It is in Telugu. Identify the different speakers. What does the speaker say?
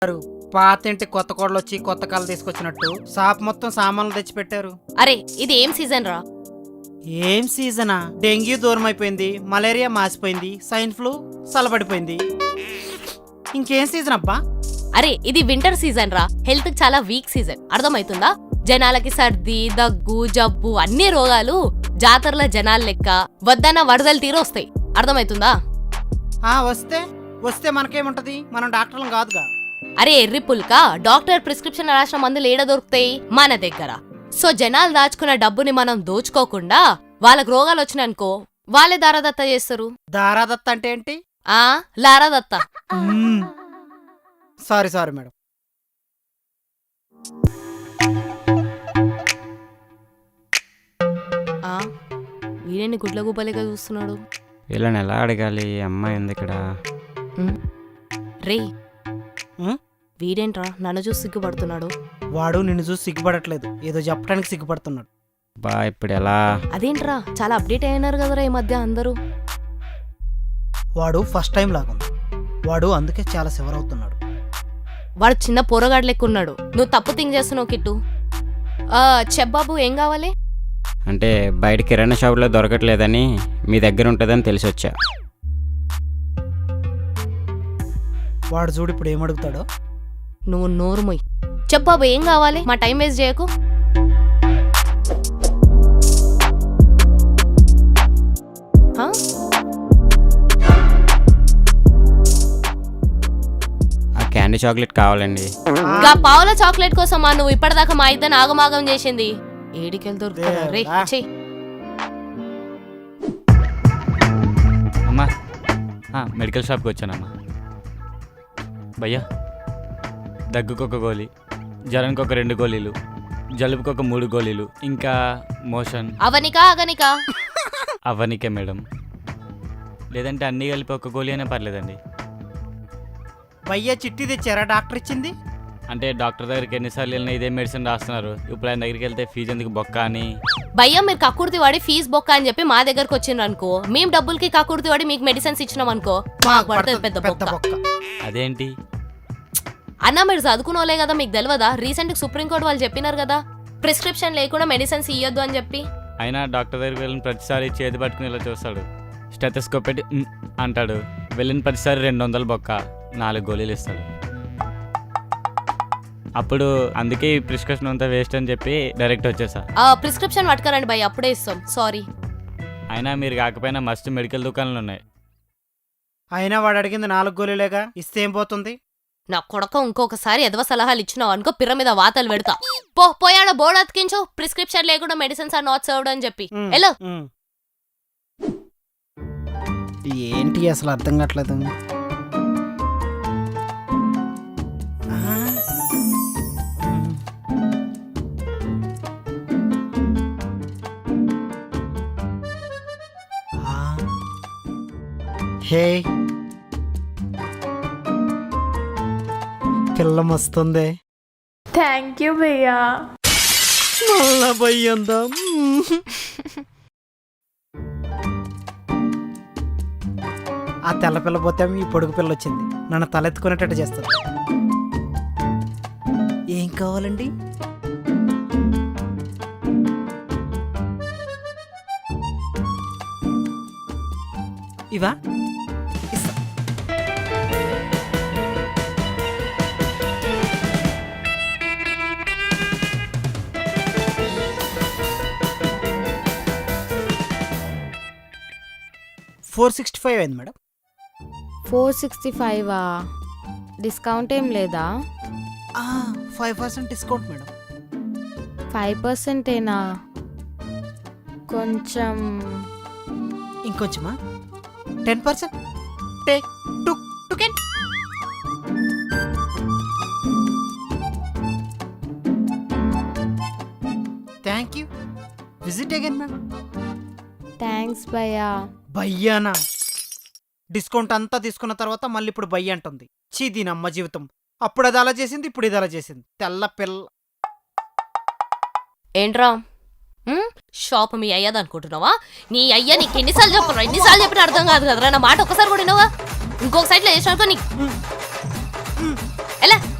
Speaker 1: పాతింటి కొత్త కోడలు వచ్చి కొత్త కళ తీసుకొచ్చినట్టు షాప్ మొత్తం సామాన్లు తెచ్చి పెట్టారు.
Speaker 2: అరే ఇది ఏం సీజన్ రా?
Speaker 1: ఏం సీజనా? డెంగ్యూ దూరం అయిపోయింది, మలేరియా మాసిపోయింది, స్వైన్ ఫ్లూ చల్లబడిపోయింది. ఇంకేం సీజన్ అబ్బా?
Speaker 2: అరే ఇది వింటర్ సీజన్ రా. హెల్త్ కి చాలా వీక్ సీజన్, అర్థమవుతుందా? జనాలకి సర్ది, దగ్గు, జబ్బు అన్ని రోగాలు జాతరల జనాల లెక్క వద్దన్న వరదలు తీరు వస్తాయి, అర్థమవుతుందా?
Speaker 1: వస్తే మనకేముంటది, మనం డాక్టర్లం కాదుగా.
Speaker 2: అరే ఎర్రి పుల్క, డాక్టర్ ప్రిస్క్రిప్షన్ రాసిన మందులు ఏడ దొరుకుతాయి? మన దగ్గర. సో జనాలు దాచుకున్న డబ్బుని మనం దోచుకోకుండా వాళ్ళకి రోగాలు వచ్చినాయనుకో వాళ్ళే దారాదత్త చేస్తారు.
Speaker 1: దారాదత్త అంటే ఏంటి?
Speaker 2: లారాదత్త.
Speaker 1: Sorry madam.
Speaker 2: వీడేని గుడ్ల గుబ్బలేగా చూస్తున్నాడు.
Speaker 3: వీళ్ళని ఎలా అడగాలి? అమ్మాయి ఉంది ఇక్కడ.
Speaker 2: రే వీడేంట్రా నన్ను చూసి సిగ్గుపడుతున్నాడు?
Speaker 1: వాడు నిన్ను చూసి సిగ్గుపడట్లేదు, ఏదో చెప్పడానికి సిగ్గుపడుతున్నాడు.
Speaker 3: బా ఇప్పుడు ఎలా?
Speaker 2: అదేంట్రా చాలా అప్డేట్ అయినారు కదరా ఈ మధ్య అందరూ.
Speaker 1: వాడు ఫస్ట్ టైం లాగుంది, వాడు అందుకే చాలా సివర్ అవుతున్నాడు.
Speaker 2: వాడు చిన్న పోరగాడు లెక్కున్నాడు. నువ్వు తప్పు థింక్ చేస్తున్నావు కిట్టు. చెప్పబాబు ఏం కావాలి?
Speaker 3: అంటే బయట కిరాణా షాపులో దొరకట్లేదని మీ దగ్గర ఉంటుందని తెలిసి వచ్చా.
Speaker 1: వాడు చూడు ఇప్పుడు ఏమడుగుతాడో.
Speaker 2: నువ్వు నోరు మొయ్. చెప్పబాబు ఏం కావాలి? మా టైం వేస్ట్ చేయకు.
Speaker 3: క్యాండీ చాక్లెట్ కావాలండి.
Speaker 2: పావుల చాక్లెట్ కోసం నువ్వు ఇప్పటిదాకా మా ఇద్దరు ఆగమాగం చేసింది. ఏడికెళ్తారు రే.
Speaker 3: అమ్మా మెడికల్ షాప్కి వచ్చానమ్మా. భయ్యా దగ్గుకు ఒక గోళీ, జ్వరానికి ఒక 2 గోళీలు, జలుబుకి ఒక 3 గోళీలు, ఇంకా మోషన్. అవనికే మేడం, లేదంటే అన్నీ కలిపి ఒక గోళీ అయినా పర్లేదండి.
Speaker 1: భయ్యా చిట్టి తెచ్చారా? డాక్టర్ ఇచ్చింది.
Speaker 3: అంటే డాక్టర్ దగ్గరికి ఎన్నిసార్లు వెళ్ళినా ఇదే మెడిసిన్ రాస్తున్నారు. ఇప్పుడు ఆయన దగ్గరికి వెళ్తే ఫీజు ఎందుకు బొక్క అని.
Speaker 2: భయ్యా మీరు కక్కుర్తి వాడి ఫీజు బొక్క అని చెప్పి మా దగ్గరకు వచ్చిండ్రు అనుకో, మేము డబ్బులకి కక్కుర్తి వాడి మీకు మెడిసిన్స్ ఇచ్చినాం అనుకో మాకు పడుతుంది పెద్ద బొక్క.
Speaker 3: అదేంటి
Speaker 2: అన్నా మీరు చదువుకున్నోలే కదా, మీకు తెలియదా? రీసెంట్ సుప్రీంకోర్టు వాళ్ళు చెప్పినారు కదా ప్రిస్క్రిప్షన్ లేకుండా మెడిసిన్స్ ఇయ్యొద్దు అని చెప్పి.
Speaker 3: అయినా డాక్టర్ దగ్గరికి వెళ్ళిన ప్రతిసారి చేతి పట్టుకుని ఇలా చూస్తాడు, స్టెథోస్కోప్ పెట్టి అంటాడు. వెళ్ళిన ప్రతిసారి 200 బొక్క, 4 గోళీలు ఇస్తాడు. అప్పుడు అందుకే ఈ ప్రిస్క్రిప్షన్ అంతా వేస్ట్ అని చెప్పి డైరెక్ట్ వచ్చేసా.
Speaker 2: ప్రిస్క్రిప్షన్ పట్టుకరండి భయ్, అప్పుడే ఇస్తాం. సారీ.
Speaker 3: అయినా మీరు కాకపోయినా మస్తు మెడికల్ దుకాణాలు ఉన్నాయి.
Speaker 1: అయినా వాడు అడిగింది 4 గోళీలేగా, ఇస్తే ఏం పోతుంది?
Speaker 2: నా కొడక ఇంకొకసారి ఎదవ సలహాలు ఇచ్చినావు అనుకో పిర్ర మీద వాతలు పెడతా. పోయాడ బోర్డు అతికించు, ప్రిస్క్రిప్షన్ లేకుండా మెడిసిన్స్ ఆర్ నాట్ సర్వ్డ్ అని చెప్పి. హలో
Speaker 1: ఏంటి అసలు అర్థం కావట్లేదు. హే పిల్ల మస్తుంది.
Speaker 4: థ్యాంక్ యూ భయ్యా.
Speaker 1: మళ్ళా భయ్యందా? ఆ తెల్ల పిల్ల పోతే ఈ పొడుగు పిల్ల వచ్చింది, నన్ను తలెత్తుకునేటట్టు చేస్తుంది. ఏం కావాలండి? ఇవా? 465 అయింది మేడం.
Speaker 5: 465 డిస్కౌంట్ ఏం లేదా?
Speaker 1: 5% డిస్కౌంట్ మేడం.
Speaker 5: 5%ఏనా? కొంచెం
Speaker 1: ఇంకొంచెమా? 10%. Take token. Thank you. Visit again madam.
Speaker 5: Thanks భయ్యా.
Speaker 1: భయ్యానా? డిస్కౌంట్ అంతా తీసుకున్న తర్వాత మళ్ళీ ఇప్పుడు భయ్య అంటుంది. చీ దీనమ్మ జీవితం. అప్పుడు అది అలా చేసింది, ఇప్పుడు ఇది అలా చేసింది. తెల్ల పిల్ల.
Speaker 2: ఏంట్రా షాప్ మీ అయ్యది అనుకుంటున్నావా? నీ అయ్య నీకు ఎన్నిసార్లు చెప్పినా అర్థం కాదు కదరా. నా మాట ఒకసారి కూడా వినవా? ఇంకొక సైడ్ లో చేసినాకో నీకు ఎలా